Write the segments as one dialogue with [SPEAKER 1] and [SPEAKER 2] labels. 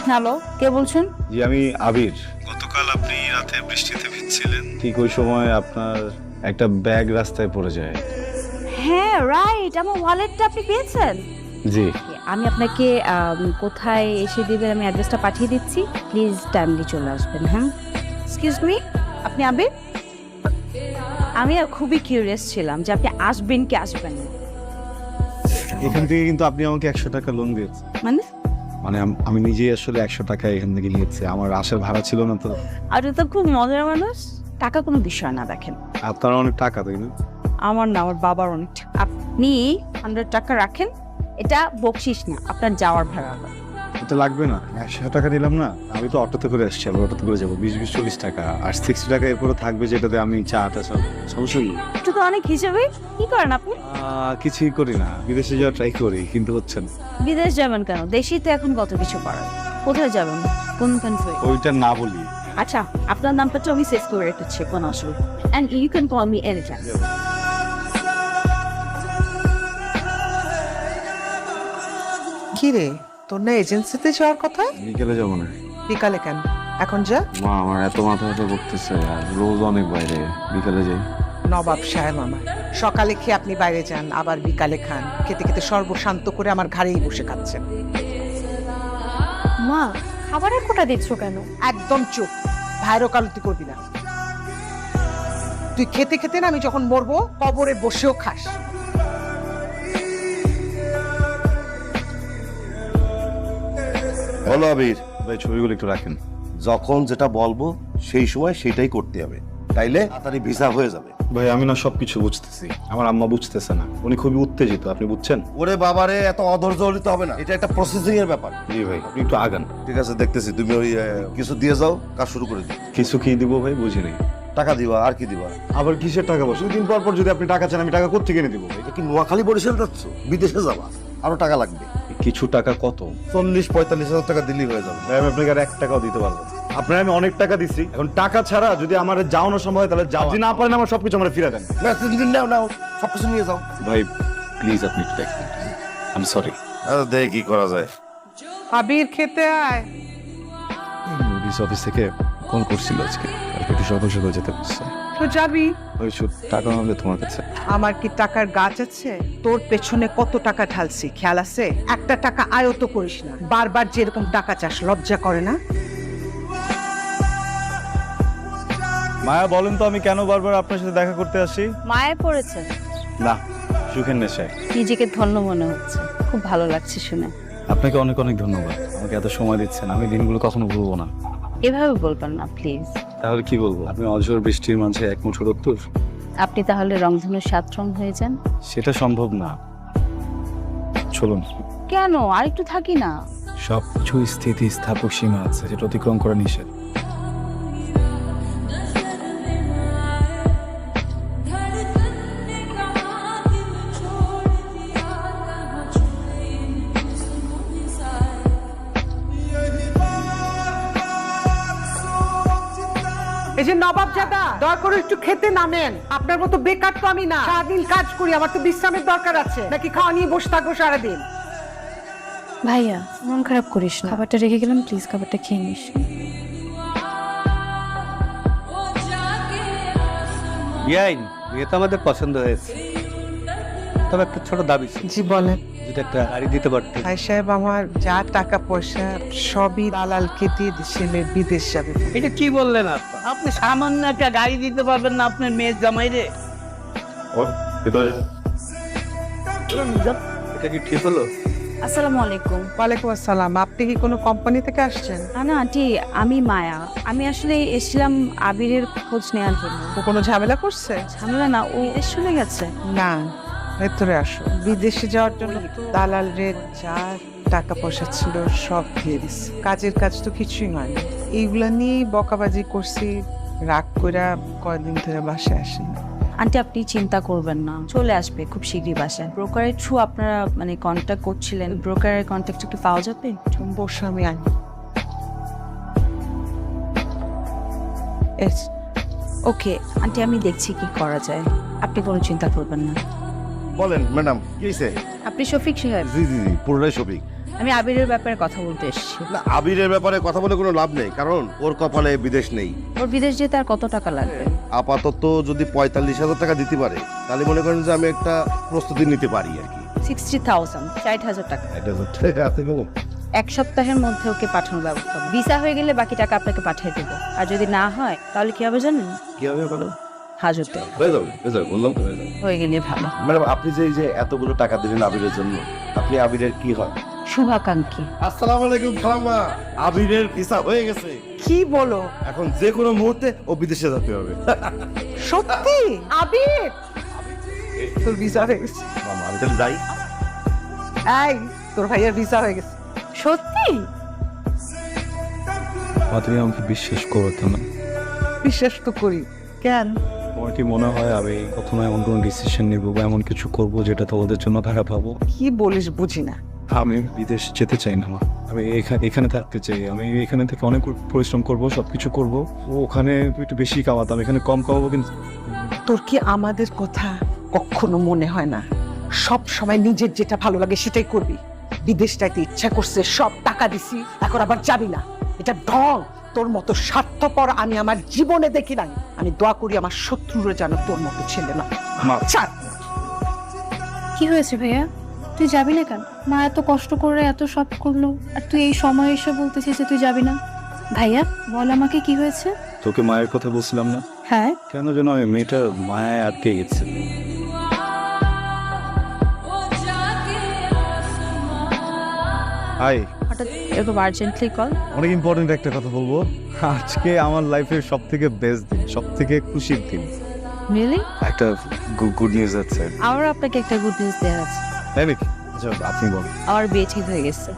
[SPEAKER 1] Hello, কে বলছেন?
[SPEAKER 2] জি আমি আবির। গতকাল আপনি রাতে বৃষ্টিতে ভিজছিলেন, ঠিক ওই সময় আপনার একটা ব্যাগ রাস্তায় পড়ে যায়।
[SPEAKER 1] হ্যাঁ রাইট, আমার ওয়ালেটটা আপনি পেয়েছেন?
[SPEAKER 2] জি।
[SPEAKER 1] আমি আপনাকে কোথায় এসে দিবেন আমি অ্যাড্রেসটা পাঠিয়ে দিচ্ছি, প্লিজ টাইমলি চলে আসবেন। হ্যাঁ, এক্সকিউজ মি, আপনি আবির? আমি খুবই কিউরিয়াস ছিলাম যে আপনি আসবেন কি আসবেন না।
[SPEAKER 2] এখান থেকে কিন্তু আপনি আমাকে 100 টাকা লোন দিয়েছেন।
[SPEAKER 1] মানে
[SPEAKER 2] মানে আমি নিজেই আসলে 100 টাকা এখান থেকে নিয়েছি, আমার আসার ভাড়া ছিল না তো।
[SPEAKER 1] আপনি তো খুব মজার মানুষ। টাকা কোনো বিষয় না, দেখেন
[SPEAKER 2] আপনার অনেক টাকা তাই না?
[SPEAKER 1] আমার না, আমার বাবার অনেক টাকা। আপনি 100 টাকা রাখেন, এটা বকশিস না, আপনার যাওয়ার ভাড়া।
[SPEAKER 2] এটা লাগবে না, 100 টাকা দিলাম না। আমি তো অটোতে করে আসছি, আবার অটোতে করে যাবো 20-40 টাকা, আর 60 টাকা এরপরে থাকবে যেটাতে আমি চাটা সব সমস্যা নেই।
[SPEAKER 1] একটু তো অনেক হিসেবে। কি করেন আপনি?
[SPEAKER 2] কিছুই করি না, বিদেশে যাওয়ার ট্রাই করি কিন্তু হচ্ছে না।
[SPEAKER 1] বিদেশ যাবেন কেন? দেশেই তো এখন কত কিছু করার। কোথায় যাবেন? কোন কান্ট্রি?
[SPEAKER 2] ওইটা না বলি।
[SPEAKER 1] আচ্ছা, আপনার নামটা তো আমি সেভ করে রেখেছি, কোন অসুবিধা। And you can call me any time.
[SPEAKER 3] কি রে, তোর না এজেন্সিতে যাওয়ার কথা?
[SPEAKER 2] বিকেলে যাবো না।
[SPEAKER 3] বিকালে কেন? এখন যা।
[SPEAKER 2] মা আমার এত মাথা ব্যথা করতেছে, আর রোজ অনেক বাইরে, বিকালে যাই।
[SPEAKER 3] নবাব সাহেব আমার সকালে খেয়ে আপনি বাইরে যান, আবার বিকালে খান, খেতে খেতে সর্বশান্ত করে আমার ঘাড়েই বসে খাচ্ছেন।
[SPEAKER 4] মা, খাবারের কোটা দিচ্ছ কেন?
[SPEAKER 3] একদম চুপ, ভাইরও কালতি করবি না। তুই খেতে খেতে না আমি যখন মরবো কবরে বসেও খাস।
[SPEAKER 5] বলো আবির,
[SPEAKER 2] ভাই ছবিগুলো একটু রাখেন।
[SPEAKER 5] যখন যেটা বলবো সেই সময় সেটাই করতে হবে, তাইলে তাড়াতাড়ি ভিসা হয়ে যাবে।
[SPEAKER 2] ভাই আমি না সবকিছু বুঝতেছি, আমার আম্মা বুঝতেছে না, উনি খুবই উত্তেজিত, আপনি বুঝছেন?
[SPEAKER 5] ওরে বাবারে, এত অধৈর্য হতে হবে না, এটা একটা প্রসেসিং এর ব্যাপার।
[SPEAKER 2] জি ভাই, আপনি একটু আগান।
[SPEAKER 5] ঠিক আছে, দেখতেছি। তুমি ওই কিছু দিয়ে যাও, কাজ শুরু করে দিও।
[SPEAKER 2] কিছু কি দিব ভাই, বুঝি নাই।
[SPEAKER 5] টাকা দিবা, আর কি দিবা?
[SPEAKER 2] আবার কিসের টাকা? বসে দুদিন পর পর যদি আপনি টাকা চান, আমি টাকা কোত্থেকে এনে দিব ভাই?
[SPEAKER 5] এটা কি নোয়াখালী বরিশাল যাচ্ছ? বিদেশে যাবা, আরো টাকা লাগবে।
[SPEAKER 2] কিছু টাকা কত?
[SPEAKER 5] 40-45 হাজার টাকা দিলেই হয়ে যাবে।
[SPEAKER 2] ভাই আমি আপনাকে আর 1 টাকাও দিতে পারবো না। আপনার আমি অনেক টাকা দিচ্ছি, এখন টাকা ছাড়া যদি আমার যাওয়ানো সম্ভব হয় তাহলে যাও, যদি না পারেন আমার সবকিছু আমার ফিরে দেন।
[SPEAKER 5] না, তুমি নাও নাও, সবকিছু নিয়ে যাও।
[SPEAKER 2] ভাই প্লিজ আপনি একটু দেখেন, আই এম সরি।
[SPEAKER 5] দেখি কি করা যায়।
[SPEAKER 3] আবির খেতে আয়।
[SPEAKER 2] পুলিশ অফিস থেকে ফোন করছিল আজকে, কালকে একটু সকাল সকাল যেতে বলছে।
[SPEAKER 3] তো যাবি।
[SPEAKER 2] ওই টাকা হবে তোমার কাছে?
[SPEAKER 3] আমার কি টাকার গাছ আছে? তোর পেছনে কত টাকা ঢালছি খেয়াল আছে? একটা টাকা আয়ত করিস না, বারবার যেরকম টাকা চাস, লজ্জা করে না?
[SPEAKER 2] মায়া বলেন তো আমি কেন বারবার আপনার সাথে দেখা করতে আসি?
[SPEAKER 1] মায়ে পড়েছে?
[SPEAKER 2] না, সুখের নেশায়।
[SPEAKER 1] নিজেকে ধন্য মনে হচ্ছে, খুব ভালো লাগছে শুনে।
[SPEAKER 2] আপনাকে অনেক অনেক ধন্যবাদ, আমাকে এত সময় দিচ্ছেন, আমি দিনগুলো কখনো ভুলবো না।
[SPEAKER 1] এভাবে বলবেন না প্লিজ।
[SPEAKER 2] তাহলে কি বলবো? আপনি অঝোর বৃষ্টির মাঝে এক মুঠো রক্তর।
[SPEAKER 1] আপনি তাহলে রংধনু 7 রং হয়ে যান।
[SPEAKER 2] সেটা সম্ভব না। চলুন।
[SPEAKER 1] কেন, আর একটু থাকি না?
[SPEAKER 2] সবকিছু স্থিতি স্থাপক সীমা আছে, যেটা অতিক্রম করা নিষেধ।
[SPEAKER 3] এই যে নবাব জাদা, দয়া করে একটু খেতে নামেন। আপনার মতো বেকার তো আমি না, সারাদিন কাজ করি, আমার তো বিশ্রামের দরকার আছে। নাকি খাওয়া নিয়ে বসে থাকবো সারাদিন?
[SPEAKER 4] ভাইয়া, মন খারাপ করিস না, খাবারটা রেখে গেলাম, প্লিজ খাবারটা খেয়ে নিস।
[SPEAKER 6] বিআইন, বিয়ে তো আমাদের পছন্দ হয়েছে, তবে একটা ছোট দাবি ছিল।
[SPEAKER 3] জি বলেন।
[SPEAKER 6] যদি একটা গাড়ি দিতে পারতে।
[SPEAKER 3] ভাই সাহেব, আমার যা টাকা পয়সা সবই দালালকে দিয়ে ছেলে বিদেশ যাবে।
[SPEAKER 6] এটা কি বললেন আপনি? আপনি সামান্য একটা গাড়ি দিতে পারবেন না আপনার মেয়ের জামাইরে? এটা কি ঠিক হলো?
[SPEAKER 1] আসসালামু আলাইকুম।
[SPEAKER 3] ওয়ালাইকুম আসসালাম। আপনি কি কোনো কোম্পানি থেকে আসছেন?
[SPEAKER 1] না আন্টি, আমি মায়া। আমি আসলে এসেছিলাম আবিরের খোঁজ নেওয়ার জন্য।
[SPEAKER 3] ও কোনো ঝামেলা করছে?
[SPEAKER 1] ঝামেলা না, ও দেশ চলে গেছে।
[SPEAKER 3] না, ভেতরে আসো। বিদেশে যাওয়ার জন্য দালাল রে যা টাকা পয়সা ছিল সব দিয়ে দিচ্ছে। কাজের কাজ তো কিছুই হয় না। এইগুলা নিয়েই বকাবাজি করছি, রাগ কইরা কয়দিন ধরে বাসায় আসি।
[SPEAKER 1] আন্টি আপনি চিন্তা করবেন না, চলে আসবে খুব শীঘ্রই বাসায়। ব্রোকারের থ্রু আপনারা মানে কন্ট্যাক্ট করছিলেন, ব্রোকারের কন্ট্যাক্ট একটু পাওয়া যাবে?
[SPEAKER 3] তুমি বসো, আমি আনি।
[SPEAKER 1] ওকে আন্টি, আমি দেখছি কি করা যায়, আপনি কোনো চিন্তা করবেন না।
[SPEAKER 5] বলেন ম্যাডাম, কি হয়েছে?
[SPEAKER 1] আপনি শফিক সাহেব?
[SPEAKER 5] জি জি জি, পুরোটাই শফিক।
[SPEAKER 1] আমি আবিরের ব্যাপারে কথা বলতে এসেছি।
[SPEAKER 5] না, আবিরের ব্যাপারে কথা বলে কোনো লাভ নেই, কারণ ওর কপালে বিদেশ নেই।
[SPEAKER 1] ওর বিদেশ যেতে আর কত টাকা লাগবে?
[SPEAKER 5] আপাতত যদি ৪৫,০০০ টাকা দিতে পারে তাহলে মনে করেন যে আমি একটা প্রস্তুতি নিতে পারি আর কি।
[SPEAKER 1] 60,000, 60,000 টাকা।
[SPEAKER 5] এটা হচ্ছে হাতে কলম।
[SPEAKER 1] এক সপ্তাহের মধ্যে ওকে পাঠানোর ব্যবস্থা হবে। ভিসা হয়ে গেলে বাকি টাকা আপনাকে পাঠিয়ে দেবো। আর যদি না হয় তাহলে কি হবে জানেন?
[SPEAKER 5] কি হবে বলো?
[SPEAKER 1] হাজতে
[SPEAKER 5] হয়ে যাবে, বললাম তো হয়ে যাবে।
[SPEAKER 1] হয়ে গেলে ভালো।
[SPEAKER 5] ম্যাডাম, আপনি যে এই যে এতগুলো টাকা দিলেন আবিরের জন্য, আপনি আবিরের কি হয়?
[SPEAKER 1] শুভাকাঙ্ক্ষী।
[SPEAKER 5] আসসালামু আলাইকুম খালাম্মা, আবিরের ভিসা হয়ে গেছে।
[SPEAKER 3] কি বলো?
[SPEAKER 5] এখন যে কোনো মুহূর্তে ও বিদেশে যেতে হবে।
[SPEAKER 3] সত্যি? আবির তোর ভিসা হয়ে গেছে?
[SPEAKER 5] মামা, আমি তাহলে যাই।
[SPEAKER 3] এই তোর ভাইয়ের ভিসা হয়ে গেছে।
[SPEAKER 1] সত্যি?
[SPEAKER 2] তুমি আমাকে বিশ্বাস করতো না।
[SPEAKER 3] বিশ্বাস তো করি। কেন?
[SPEAKER 2] তোমার কি মনে হয় আমি কখনো এমন কোনো ডিসিশন নিব বা এমন কিছু করব যেটা তোমাদের জন্য খারাপ হবো?
[SPEAKER 3] কি বলিস বুঝি না।
[SPEAKER 2] আমি বিদেশ যেতে চাই না মা। আমি এখানে থাকতে চাই। আমি এখানে থেকে অনেক পরিশ্রম করব, সবকিছু করব। ওখানে একটু বেশি কামাতাম, এখানে কম কামাবো। কিন্তু
[SPEAKER 3] তোর কি আমাদের কথা কখনো মনে হয় না? সব সময় নিজের যেটা ভালো লাগে সেটাই করবি। বিদেশ যাইতে ইচ্ছা করছে, সব টাকা দিছি, এখন আবার যাবি না। এটা ঢং। তোর মতো স্বার্থপর আমি আমার জীবনে দেখি নাই। আমি দোয়া করি আমার শত্রুরা যেন তোর মতো ছেলে না।
[SPEAKER 2] মা,
[SPEAKER 3] ছাড়।
[SPEAKER 4] কি হয়েছে ভাইয়া? তুই যাবি না কেন? মা এত কষ্ট করে এত সব করলো, আর তুই এই সময় এসে বলতেছিস যে তুই যাবি না। ভাইয়া বল আমাকে কি হয়েছে?
[SPEAKER 2] তোকে মায়ের কথা বলছিলাম না?
[SPEAKER 4] হ্যাঁ।
[SPEAKER 2] কেন যেন আমি মেয়েটার মায়ায় আটকে গেছে। হাই,
[SPEAKER 1] হঠাৎ এরকম আর্জেন্টলি কল?
[SPEAKER 2] অনেক ইম্পর্টেন্ট একটা কথা বলবো। আজকে আমার লাইফের সব থেকে বেস্ট দিন, সব থেকে খুশির দিন।
[SPEAKER 1] রিয়েলি?
[SPEAKER 2] একটা গুড নিউজ আছে।
[SPEAKER 1] আমার আপনাকে একটা গুড নিউজ দেওয়ার আছে।
[SPEAKER 2] তাই নাকি? আচ্ছা, আপনি বলুন।
[SPEAKER 1] আমার বিয়ে ঠিক হয়ে গেছে।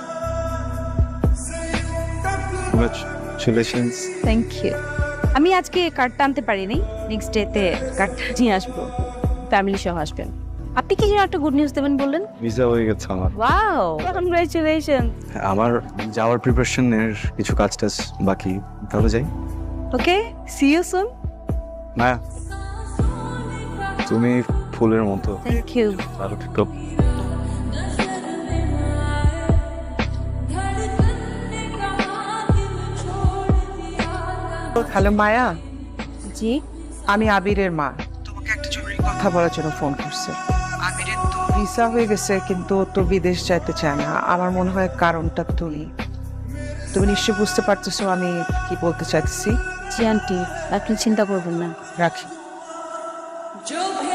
[SPEAKER 2] কংগ্রাচুলেশনস।
[SPEAKER 1] Thank you. আমি আজকে কার্ডটা আনতে পারিনি, নেক্সট ডেতে কার্ডটা নিয়ে আসবো। ফ্যামিলি সহ আসবেন। আপনি কি যেন একটা গুড নিউজ দেবেন বললেন?
[SPEAKER 2] ভিসা হয়ে গেছে আমার।
[SPEAKER 1] Wow, congratulation.
[SPEAKER 2] আমার যাওয়ার প্রিপারেশনের কিছু কাজ টাজ বাকি, তাহলে যাই।
[SPEAKER 1] Okay, see you soon.
[SPEAKER 2] না, তুমি ফুলের মতো।
[SPEAKER 1] Thank you.
[SPEAKER 2] ভালো থেকো।
[SPEAKER 3] হ্যালো মায়া,
[SPEAKER 1] জি।
[SPEAKER 3] আমি আবিরের মা। তোমাকে একটা জরুরি কথা বলার জন্য ফোন করছে। আবিরের তো ভিসা হয়ে গেছে, কিন্তু ও তো বিদেশ যাইতে চায় না। আমার মনে হয় কারণটা তুমি নিশ্চয়ই বুঝতে পারতেছো আমি কি বলতে চাইতেছি।
[SPEAKER 1] জি আন্টি, আপনি চিন্তা করবেন না।
[SPEAKER 3] রাখি।
[SPEAKER 7] जो भी